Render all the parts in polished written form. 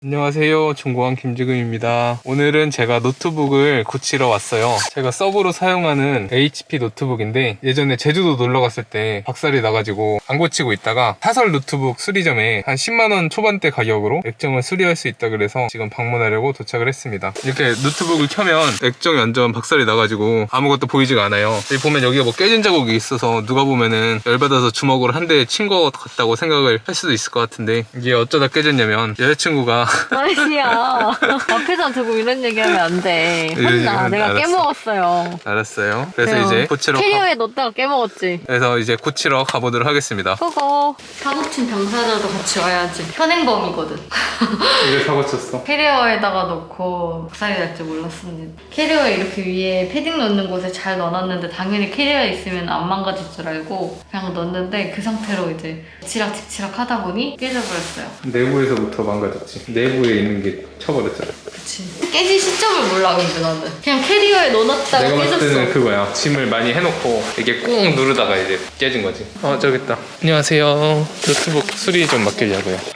안녕하세요, 중고왕 김지금입니다. 오늘은 제가 노트북을 고치러 왔어요. 제가 서브로 사용하는 HP 노트북인데 예전에 제주도 놀러 갔을 때 박살이 나가지고 안 고치고 있다가 사설 노트북 수리점에 한 10만원 초반대 가격으로 액정을 수리할 수 있다 그래서 지금 방문하려고 도착을 했습니다. 이렇게 노트북을 켜면 액정이 완전 박살이 나가지고 아무것도 보이지가 않아요. 여기 보면 여기가 뭐 깨진 자국이 있어서 누가 보면은 열받아서 주먹으로 한 대 친 것 같다고 생각을 할 수도 있을 것 같은데, 이게 어쩌다 깨졌냐면 여자친구가 아니야. 앞에서 두고 이런 얘기하면 안 돼. 혼나. 내가 알았어. 깨먹었어요. 알았어요. 그래서 이제 고치러 캐리어에 넣었다가 깨먹었지. 그래서 이제 고치러 가보도록 하겠습니다. 그거 사고친 당사자도 같이 와야지. 현행범이거든. 이걸 사고 쳤어. 캐리어에다가 넣고 박살이 날 줄 몰랐습니다. 캐리어에 이렇게 위에 패딩 넣는 곳에 잘 넣어놨는데 당연히 캐리어에 있으면 안 망가질 줄 알고 그냥 넣었는데 그 상태로 이제 직치락 하다 보니 깨져버렸어요. 내부에서부터 망가졌지. 내부에 있는 게 쳐버렸잖아. 그치. 깨진 시점을 몰라 근데 나는. 그냥 캐리어에 넣어놨다가 내가 봤을 때는 깨졌어. 그거야. 짐을 많이 해놓고 이게 꾹 누르다가 이제 깨진 거지. 저기 있다. 안녕하세요. 노트북 수리 좀 맡기려고요.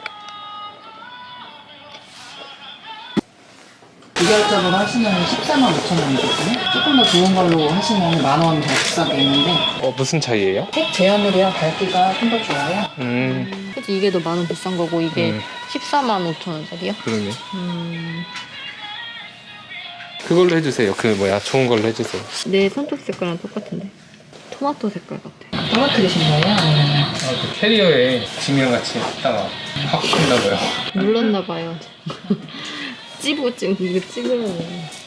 무결점으로 하시면 14만 5천 원이거든요. 조금 더 좋은 걸로 하시면 만 원 더 비싸게 있는데 무슨 차이예요? 색 제한물이랑 밝기가 좀 더 좋아요. 그치, 이게 더 만 원 비싼 거고 이게 14만 5천 원짜리야? 그러네. 그걸로 해주세요. 좋은 걸로 해주세요. 내 손톱 색깔랑 똑같은데 토마토 색깔 같아. 떨어뜨리신 거예요? 아니면 그 캐리어에 짐이랑 같이 있다가 확ขึ้나봐요. 눌렀나봐요. 이거 찍으면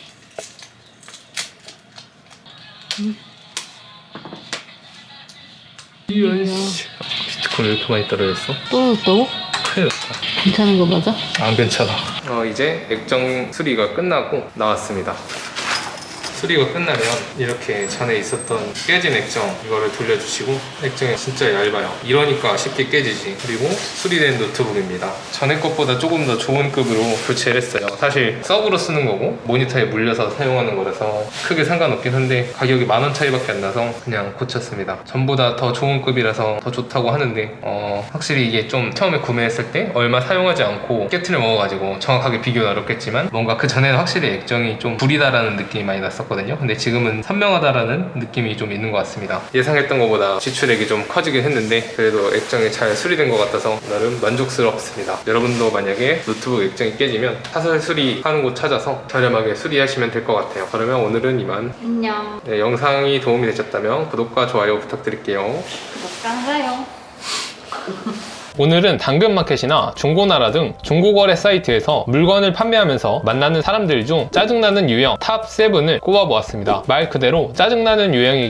이런 씨. 비트코인 왜 이렇게 많이 떨어졌어? 떨어졌다고? 큰일 났다. 괜찮은 거 맞아? 안 괜찮아. 이제 액정 수리가 끝나고 나왔습니다. 수리가 끝나면 이렇게 전에 있었던 깨진 액정 이거를 돌려주시고, 액정이 진짜 얇아요. 이러니까 쉽게 깨지지. 그리고 수리된 노트북입니다. 전에 것보다 조금 더 좋은 급으로 교체를 했어요. 사실 서브로 쓰는 거고 모니터에 물려서 사용하는 거라서 크게 상관없긴 한데 가격이 10,000원 차이밖에 안 나서 그냥 고쳤습니다. 전보다 더 좋은 급이라서 더 좋다고 하는데 확실히 이게 좀 처음에 구매했을 때 얼마 사용하지 않고 깨트려 먹어가지고 정확하게 비교는 어렵겠지만 뭔가 그 전에는 확실히 액정이 좀 구리다라는 느낌이 많이 났었거든요. 근데 지금은 선명하다라는 느낌이 좀 있는 것 같습니다. 예상했던 것보다 지출액이 좀 커지긴 했는데 그래도 액정이 잘 수리된 것 같아서 나름 만족스럽습니다. 여러분도 만약에 노트북 액정이 깨지면 사설 수리하는 곳 찾아서 저렴하게 수리하시면 될 것 같아요. 그러면 오늘은 이만. 안녕. 네, 영상이 도움이 되셨다면 구독과 좋아요 부탁드릴게요. 구독과 좋아요. 오늘은 당근마켓이나 중고나라 등 중고거래 사이트에서 물건을 판매하면서 만나는 사람들 중 짜증나는 유형 탑 7을 꼽아보았습니다. 말 그대로 짜증나는 유형이